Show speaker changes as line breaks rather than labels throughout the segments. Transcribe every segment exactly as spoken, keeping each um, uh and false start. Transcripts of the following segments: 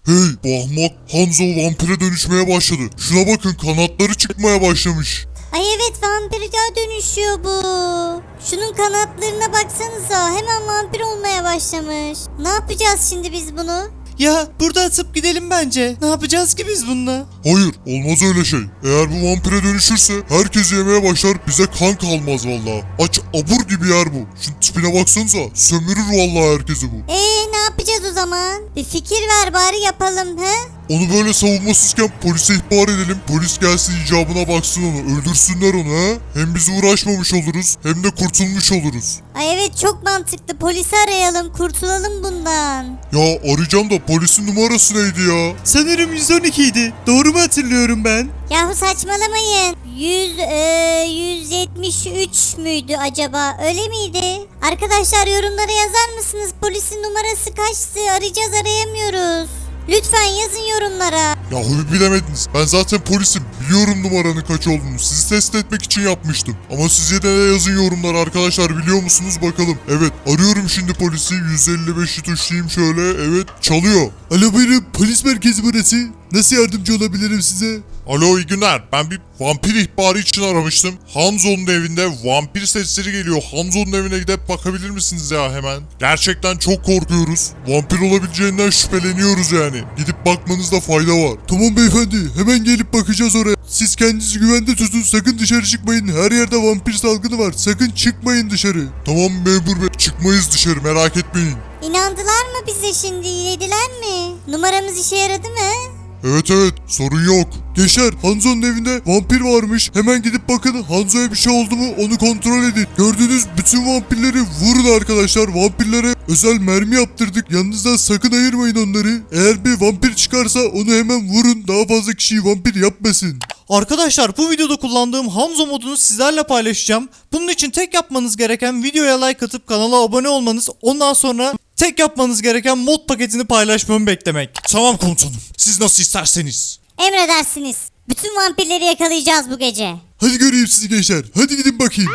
Hey bu ahmak Hanzo vampire dönüşmeye başladı. Şuna bakın, kanatları çıkmaya başlamış.
Ay evet, vampire dönüşüyor bu. Şunun kanatlarına baksanıza, hemen vampir olmaya başlamış. Ne yapacağız şimdi biz bunu?
Ya burada atıp gidelim bence. Ne yapacağız ki biz bununla?
Hayır, olmaz öyle şey. Eğer bu vampire dönüşürse herkes yemeye başlar, bize kan kalmaz vallahi. Aç abur gibi yer bu. Şu tipine baksanıza, sömürür vallahi herkesi bu.
Eee ne yapacağız o zaman? Bir fikir ver bari, yapalım he?
Onu böyle savunmasızken polise ihbar edelim. Polis gelsin, icabına baksın onu. Öldürsünler onu ha. Hem biz uğraşmamış oluruz hem de kurtulmuş oluruz.
Ay evet, çok mantıklı. Polisi arayalım, kurtulalım bundan.
Ya arayacağım da polisin numarası neydi ya?
Sanırım yüz on iki idi. Doğru mu hatırlıyorum ben?
Yahu saçmalamayın. yüz, e, yüz yetmiş üç müydü acaba? Öyle miydi? Arkadaşlar yorumlara yazar mısınız? Polisin numarası kaçtı? Arayacağız, arayamıyoruz. Lütfen yazın yorumlara.
Yahu bir bilemediniz. Ben zaten polisim. Biliyorum numaranın kaç olduğunu. Sizi test etmek için yapmıştım. Ama siz yine de yazın yorumlara arkadaşlar. Biliyor musunuz bakalım. Evet, arıyorum şimdi polisi. yüz elli beşi tuşlayayım şöyle. Evet, çalıyor.
Alo buyurun, polis merkezi burası. Nasıl yardımcı olabilirim size?
Alo, iyi günler. Ben bir vampir ihbarı için aramıştım. Hanzo'nun evinde vampir sesleri geliyor. Hanzo'nun evine gidip bakabilir misiniz ya hemen? Gerçekten çok korkuyoruz. Vampir olabileceğinden şüpheleniyoruz yani. Gidip bakmanızda fayda var.
Tamam beyefendi, hemen gelip bakacağız oraya. Siz kendinizi güvende tutun, sakın dışarı çıkmayın. Her yerde vampir salgını var. Sakın çıkmayın dışarı.
Tamam memur bey, çıkmayız dışarı, merak etmeyin.
İnandılar mı bize şimdi? Yediler mi? Numaramız işe yaradı mı?
Evet evet, sorun yok.
Gençler, Hanzo'nun evinde vampir varmış. Hemen gidip bakın, Hanzo'ya bir şey oldu mu onu kontrol edin. Gördüğünüz bütün vampirleri vurun arkadaşlar. Vampirlere özel mermi yaptırdık. Yanınızdan sakın ayırmayın onları. Eğer bir vampir çıkarsa onu hemen vurun. Daha fazla kişiyi vampir yapmasın. Arkadaşlar, bu videoda kullandığım Hanzo modunu sizlerle paylaşacağım. Bunun için tek yapmanız gereken videoya like atıp kanala abone olmanız. Ondan sonra tek yapmanız gereken mod paketini paylaşmamı beklemek.
Tamam komutanım, siz nasıl isterseniz.
Emredersiniz. Bütün vampirleri yakalayacağız bu gece.
Hadi göreyim sizi gençler. Hadi gidin bakayım.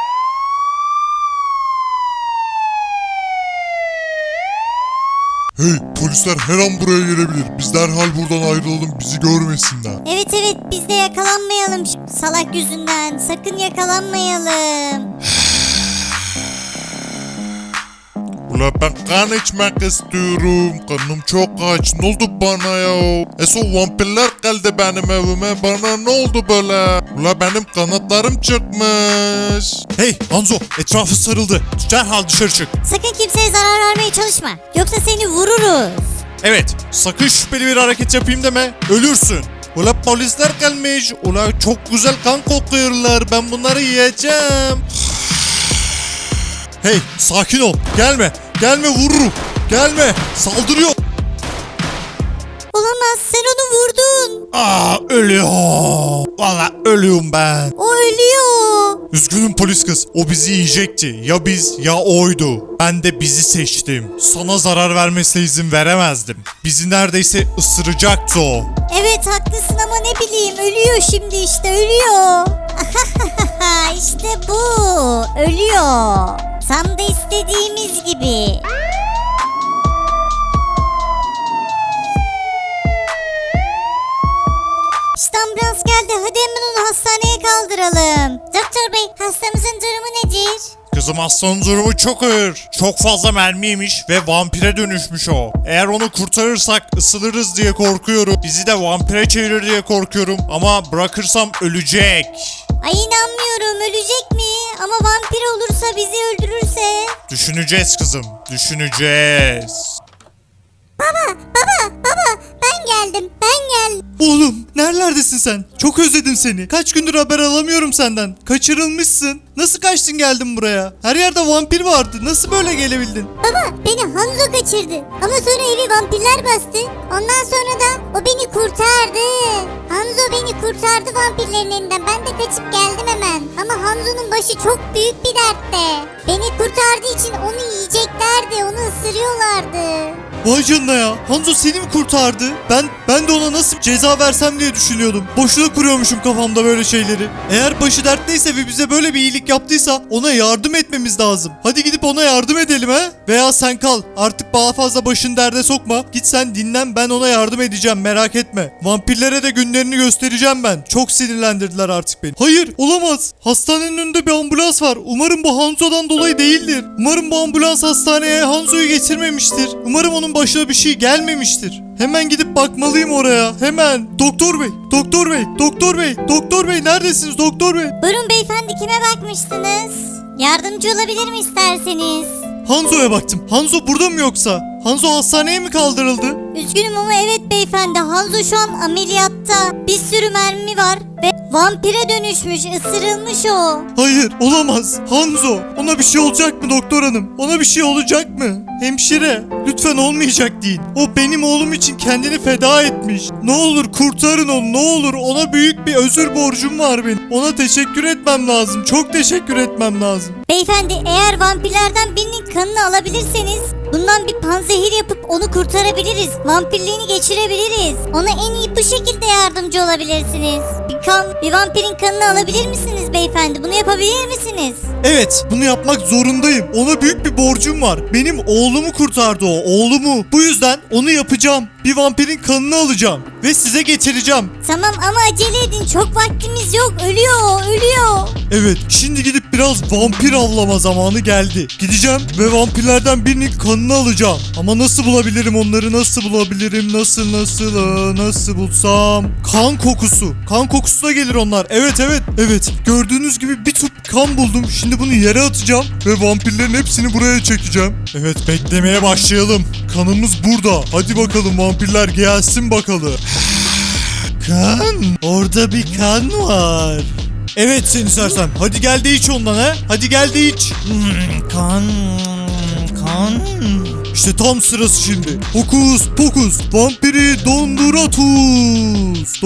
Hey, polisler her an buraya gelebilir. Biz derhal buradan ayrılalım, bizi görmesinler.
Evet evet, biz de yakalanmayalım şu salak yüzünden. Sakın yakalanmayalım.
Ula ben kan içmek istiyorum. Kanım çok aç. Ne oldu bana ya? Eso vampirler geldi benim evime. Bana ne oldu böyle? Ula benim kanatlarım çıkmış.
Hey Hanzo, etrafı sarıldı. Derhal dışarı çık.
Sakın kimseye zarar vermeye çalışma. Yoksa seni vururuz.
Evet, sakın şüpheli bir hareket yapayım deme. Ölürsün. Ula polisler gelmiş. Ula çok güzel kan kokuyorlar. Ben bunları yiyeceğim. Hey, sakin ol. Gelme. Gelme, vururum. Gelme. Saldırıyor.
Olamaz, sen onu vurdun.
Aa, ölüyor. Valla ölüyorum ben.
O ölüyor.
Üzgünüm polis kız. O bizi yiyecekti. Ya biz ya oydu. Ben de bizi seçtim. Sana zarar vermesine izin veremezdim. Bizi neredeyse ısıracaktı o.
Evet haklısın ama ne bileyim, ölüyor şimdi işte, ölüyor. İşte bu. Ölüyor. Tam da istediğimiz gibi. İşte ambulans geldi. Hadi hemen onu hastaneye kaldıralım. Doktor bey, hastamızın durumu nedir?
Kızım, hastanın durumu çok ağır. Çok fazla mermi yemiş ve vampire dönüşmüş o. Eğer onu kurtarırsak ısılırız diye korkuyorum. Bizi de vampire çevirir diye korkuyorum. Ama bırakırsam ölecek.
Ay inanmıyorum, ölecek mi? Ama vampir olursa, bizi öldürürse?
Düşüneceğiz kızım, düşüneceğiz.
Baba, baba, baba, ben geldim, ben geldim.
Oğlum, nerelerdesin sen? Çok özledim seni. Kaç gündür haber alamıyorum senden. Kaçırılmışsın. Nasıl kaçtın geldin buraya? Her yerde vampir vardı. Nasıl böyle gelebildin?
Baba, beni Hanzo kaçırdı. Ama sonra evi vampirler bastı. Ondan sonra da o beni kurtardı. Hanzo beni kurtardı vampirlerin elinden. Ben de kaçıp geldim hemen. Ama Hanzo'nun başı çok büyük bir dertte. Beni kurtardığı için onu yiyeceklerdi. Onu ısırıyorlardı.
Vay canına ya. Hanzo seni mi kurtardı? Ben ben de ona nasıl ceza versem diye düşünüyordum. Boşuna kuruyormuşum kafamda böyle şeyleri. Eğer başı dertliyse ve bize böyle bir iyilik yaptıysa ona yardım etmemiz lazım. Hadi gidip ona yardım edelim he? Veya sen kal. Artık daha fazla başını derde sokma. Git sen dinlen, ben ona yardım edeceğim, merak etme. Vampirlere de günlerini göstereceğim ben. Çok sinirlendirdiler artık beni. Hayır, olamaz. Hastanenin önünde bir ambulans var. Umarım bu Hanzo'dan dolayı değildir. Umarım bu ambulans hastaneye Hanzo'yu getirmemiştir. Umarım onun başına bir şey gelmemiştir. Hemen gidip bakmalıyım oraya. Hemen. Doktor bey, doktor bey, doktor bey, doktor bey neredesiniz doktor bey?
Buyurun beyefendi, kime bakmıştınız? Yardımcı olabilir mi isterseniz?
Hanzo'ya baktım. Hanzo burada mı yoksa? Hanzo hastaneye mi kaldırıldı?
Üzgünüm ama evet beyefendi, Hanzo şu an ameliyatta. Bir sürü mermi var ve vampire dönüşmüş, ısırılmış o.
Hayır, olamaz. Hanzo, ona bir şey olacak mı doktor hanım? Ona bir şey olacak mı? Hemşire, lütfen olmayacak deyin. O benim oğlum için kendini feda etmiş. Ne olur kurtarın onu, ne olur. Ona büyük bir özür borcum var benim. Ona teşekkür etmem lazım. Çok teşekkür etmem lazım.
Beyefendi, eğer vampirlerden birinin kanını alabilirseniz bundan bir panzehir yapıp onu kurtarabiliriz. Vampirliğini geçirebiliriz. Ona en iyi bu şekilde yardımcı olabilirsiniz. Bir kan, bir vampirin kanını alabilir misiniz beyefendi? Bunu yapabilir misiniz?
Evet, bunu yapmak zorundayım. Ona büyük bir borcum var. Benim oğlumu kurtardı o, oğlumu. Bu yüzden onu yapacağım. Bir vampirin kanını alacağım ve size getireceğim.
Tamam ama acele edin. Çok vaktimiz yok. Ölüyor o, ölüyor.
Evet, şimdi gidip biraz vampir avlama zamanı geldi. Gideceğim ve vampirlerden birinin kanını alacağım. Ama nasıl bulabilirim onları, nasıl bulabilirim, nasıl nasıl aa, nasıl bulsam? Kan kokusu. Kan kokusu da gelir onlar. Evet evet evet. Gördüğünüz gibi bir tüp kan buldum. Şimdi bunu yere atacağım ve vampirlerin hepsini buraya çekeceğim. Evet, beklemeye başlayalım. Kanımız burada. Hadi bakalım vampirler gelsin bakalım. Kan. Orada bir kan var. Evet seni sersem. Hadi gel de iç ondan ha. Hadi gel de iç. Hmm, kan. Kan. İşte tam sırası şimdi. Hokus pokus. Vampiri donduratus.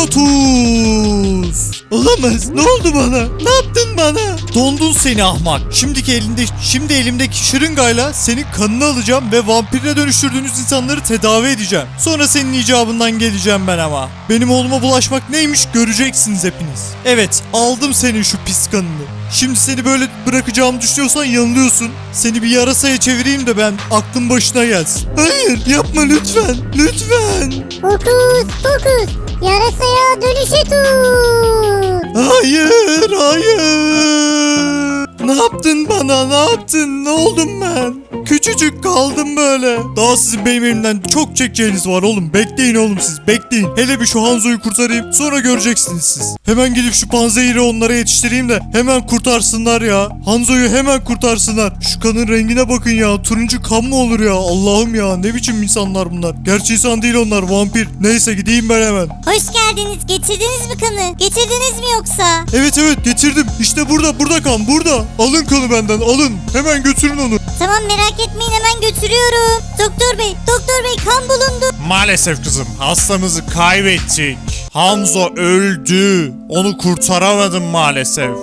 Donduratus. Olamaz. Ne oldu bana? Ne yaptın bana? Dondun seni ahmak. Şimdiki elinde, şimdi elimdeki şırıngayla senin kanını alacağım ve vampirine dönüştürdüğünüz insanları tedavi edeceğim. Sonra senin icabından geleceğim ben ama. Benim oğluma bulaşmak neymiş göreceksiniz hepiniz. Evet, aldım senin şu pis kanını. Şimdi seni böyle bırakacağımı düşünüyorsan yanılıyorsun. Seni bir yarasaya çevireyim de ben aklın başına gelsin. Hayır, yapma lütfen. Lütfen.
Fokus fokus. Yarasaya dönüşe tut.
Hayır, hayır. Ne yaptın bana? Ne yaptın? Ne oldum ben? Küçücük kaldım böyle. Daha sizin benim elimden çok çekeceğiniz var oğlum. Bekleyin oğlum siz. Bekleyin. Hele bir şu Hanzo'yu kurtarayım. Sonra göreceksiniz siz. Hemen gidip şu panzehiri onlara yetiştireyim de hemen kurtarsınlar ya. Hanzo'yu hemen kurtarsınlar. Şu kanın rengine bakın ya. Turuncu kan mı olur ya? Allah'ım ya. Ne biçim insanlar bunlar? Gerçi insan değil onlar. Vampir. Neyse gideyim ben hemen.
Hoş geldiniz. Getirdiniz mi kanı? Getirdiniz mi yoksa?
Evet evet getirdim. İşte burada. Burada kan. Burada. Alın kanı benden. Alın. Hemen götürün onu.
Tamam, merak etmeyin, hemen götürüyorum. Doktor bey, doktor bey, kan bulundu.
Maalesef kızım, hastamızı kaybettik. Hanzo öldü. Onu kurtaramadım maalesef.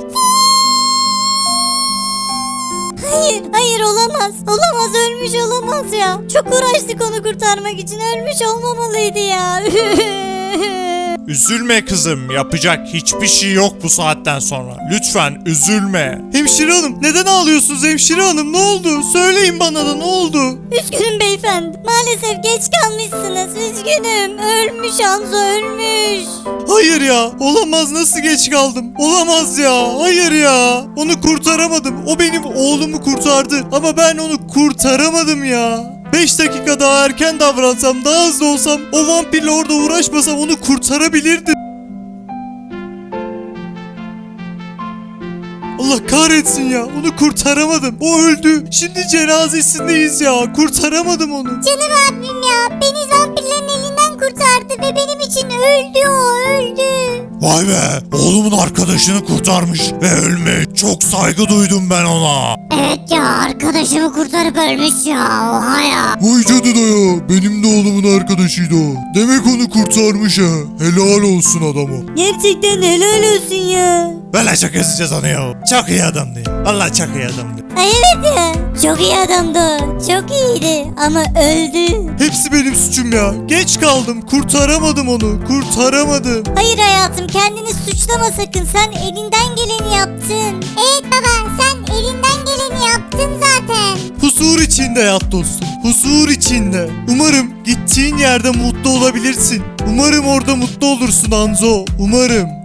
Hayır, hayır olamaz. Olamaz, ölmüş olamaz ya. Çok uğraştık onu kurtarmak için. Ölmüş olmamalıydı ya.
Üzülme kızım, yapacak hiçbir şey yok bu saatten sonra. Lütfen üzülme.
Hemşire hanım neden ağlıyorsunuz hemşire hanım, ne oldu? Söyleyin bana da, ne oldu?
Üzgünüm beyefendi. Maalesef geç kalmışsınız. Üzgünüm. Ölmüş Hanzo, ölmüş.
Hayır ya, olamaz, nasıl geç kaldım? Olamaz ya, hayır ya. Onu kurtaramadım. O benim oğlumu kurtardı ama ben onu kurtaramadım ya. beş dakika daha erken davransam, daha hızlı olsam, o vampirle orada uğraşmasam onu kurtarabilirdim. Allah kahretsin ya, onu kurtaramadım. O öldü. Şimdi cenazesindeyiz ya. Kurtaramadım onu.
Canım abim ya. Beni vampirlerin elinden kurtardı ve benim için öldü o, öldü.
Vay be, oğlumun arkadaşını kurtarmış ve ölmüş. Çok saygı duydum ben ona.
Evet ya, arkadaşımı kurtarıp ölmüş ya. Oha ya.
Vay canına ya. Benim de oğlumun arkadaşıydı o. Demek onu kurtarmış ha. Helal olsun adama.
Gerçekten helal olsun ya.
Valla çok özleyeceğiz onu ya. Çok iyi adamdı ya. Valla çok iyi adamdı.
Ay evet ya. Çok iyi adamdı o. Çok iyiydi ama öldü.
Hepsi benim suçum ya. Geç kaldım. Kurtaramadım onu. Kurtaramadım.
Hayır hayatım, kendini suçlama sakın. Sen elinden geleni yaptın. Evet baba, sen elinden geleni yaptın zaten.
Huzur içinde yat dostum. Huzur içinde. Umarım gittiğin yerde mutlu olabilirsin. Umarım orada mutlu olursun Hanzo. Umarım.